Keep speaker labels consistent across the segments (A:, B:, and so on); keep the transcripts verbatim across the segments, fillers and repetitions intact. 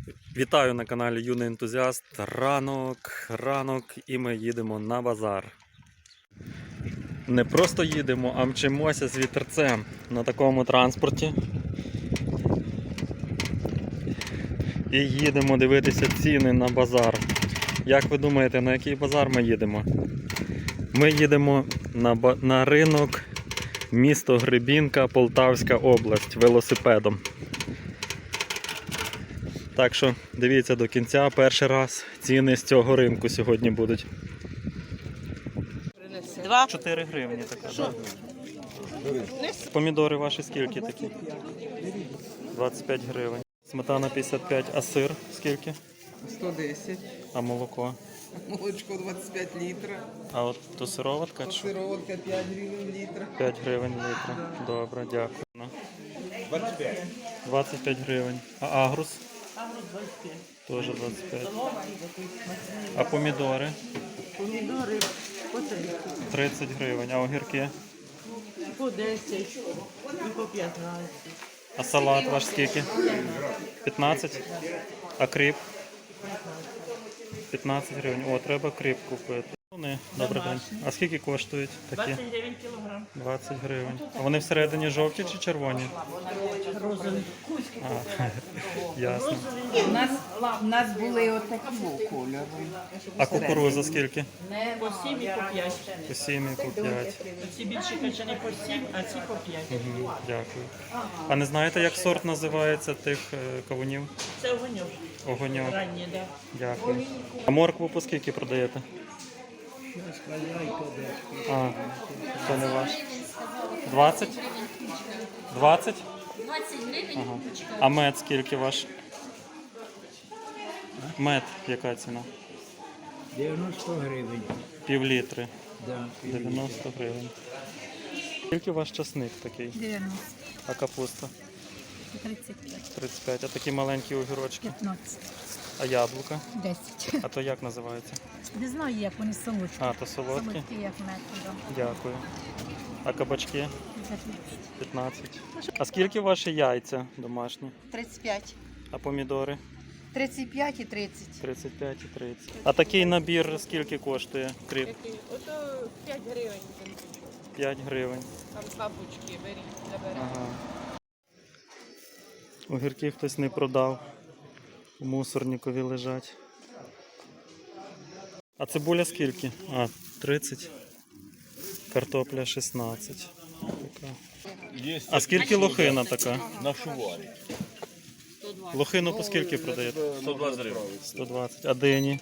A: Вітаю на каналі Юний Ентузіаст. Ранок, ранок і ми їдемо на базар. Не просто їдемо, а мчимося з вітерцем на такому транспорті. І їдемо дивитися ціни на базар. Як ви думаєте, на який базар ми їдемо? Ми їдемо на, ба... на ринок місто Гребінка, Полтавська область велосипедом. Так що дивіться до кінця, перший раз ціни з цього ринку сьогодні будуть.
B: Два.
A: чотири гривні така. Да? Помідори ваші скільки такі? двадцять п'ять гривень. Сметана п'ятдесят п'ять, а сир скільки?
C: сто десять.
A: А молоко?
C: Молочко двадцять п'ять літрів.
A: А от то сироватка? Чи?
C: Сироватка п'ять гривень літр.
A: п'ять гривень літр. Добре, дякую.
C: двадцять п'ять.
A: двадцять п'ять гривень. А агрус?
B: Агрус двадцять п'ять.
A: Теж двадцять п'ять. А помідори?
B: Помідори по тридцять.
A: тридцять гривень. А огірки?
B: По десять і по п'ятнадцять.
A: А салат ваш скільки? п'ятнадцять? А кріп? п'ятнадцять гривень. О, треба кріп купити. Вони, добрий день. А скільки коштують такі?
B: двадцять гривень кілограм.
A: двадцять гривень. А вони всередині жовті чи червоні?
B: Розовий.
A: А, ясно.
D: У нас, у нас були отакого кольору.
A: А кукуруза скільки?
B: По сім і по п'ять.
A: По сім і по п'ять.
B: Ці більші качани по сім, а ці по п'ять.
A: Мгм, дякую. А не знаєте, як сорт називається тих е, кавунів?
B: Це огоньок.
A: Огоньок.
B: Ранні, так.
A: Дякую. А моркву по скільки продаєте? А, це не ваш. двадцять? двадцять?
E: двадцять гривень.
A: Ага. А мед скільки ваш? Мед, яка ціна?
F: дев'яносто гривень.
A: Пів літри.
F: Да.
A: дев'яносто гривень. Скільки ваш часник такий?
E: дев'яносто.
A: А капуста?
E: тридцять п'ять.
A: тридцять п'ять. А такі маленькі огірочки?
E: п'ятнадцять.
A: А яблука?
E: десять.
A: А то як називається?
E: Не знаю, як вони солодкі.
A: А, то солодкі?
E: Солодкі, як мед. Да.
A: Дякую. А кабачки?
E: За тридцять.
A: п'ятнадцять. А скільки ваші яйця домашні?
D: тридцять п'ять.
A: А помідори?
D: тридцять п'ять і тридцять.
A: тридцять п'ять і тридцять. А такий набір скільки коштує? Кріп?
G: Ото п'ять гривень.
A: п'ять гривень.
G: Там папочки беріть, заберете.
A: Ага. Огірки хтось не продав. У мусорникові лежать. А цибуля скільки? А, тридцять. Картопля шістнадцять. Така. А скільки лохина така?
F: На шуварі.
A: Лохину по скільки продаєте?
F: сто двадцять гривень.
A: сто двадцять. А дині?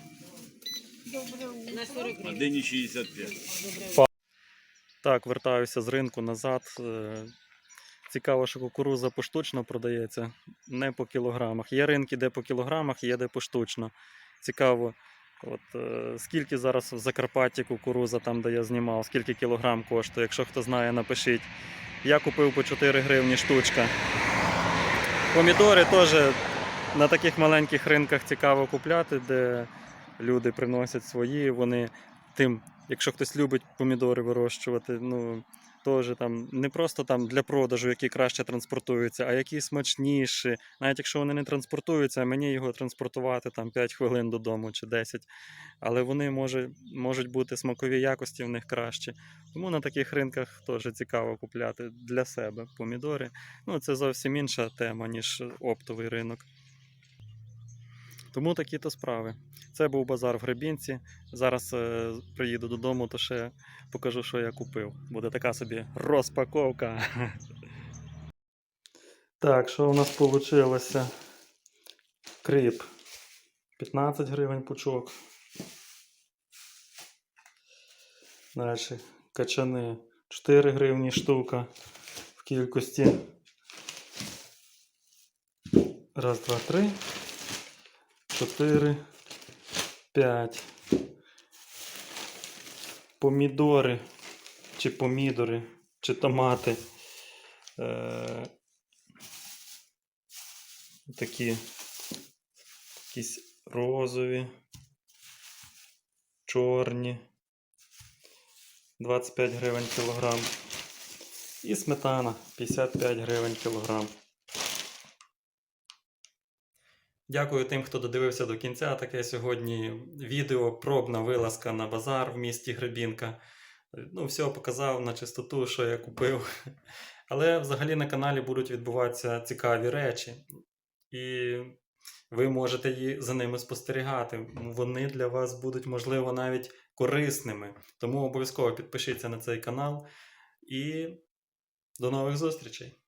F: А дині шістдесят п'ять.
A: Так, вертаюся з ринку назад. Е, Цікаво, що кукурудза поштучно продається, не по кілограмах. Є ринки, де по кілограмах, є де поштучно. Цікаво, от, е, скільки зараз в Закарпатті кукурудза, там де я знімав, скільки кілограм коштує. Якщо хто знає, напишіть. Я купив по чотири гривні штучка. Помідори теж на таких маленьких ринках цікаво купляти, де люди приносять свої, вони тим, якщо хтось любить помідори вирощувати, ну, теж там не просто там для продажу, які краще транспортуються, а які смачніші. Навіть якщо вони не транспортуються, мені його транспортувати там п'ять хвилин додому чи десять. Але вони може, можуть бути смакові якості в них кращі. Тому на таких ринках теж цікаво купляти для себе помідори. Ну, це зовсім інша тема, ніж оптовий ринок. Тому такі-то справи. Це був базар в Гребінці. Зараз е, приїду додому, то ще покажу, що я купив. Буде така собі розпаковка. Так, що у нас вийшло? Кріп. п'ятнадцять гривень пучок. Далі. Качани. чотири гривні штука в кількості. Раз, два, три. чотири. п'ять. Помідори, чи помідори, чи томати. Е, такі якісь розові, чорні. двадцять п'ять гривень кілограм. І сметана п'ятдесят п'ять гривень кілограм. Дякую тим, хто додивився до кінця. Таке сьогодні відео, пробна вилазка на базар в місті Гребінка. Ну, все показав на чистоту, що я купив. Але взагалі на каналі будуть відбуватися цікаві речі. І ви можете її за ними спостерігати. Вони для вас будуть, можливо, навіть корисними. Тому обов'язково підпишіться на цей канал. І до нових зустрічей!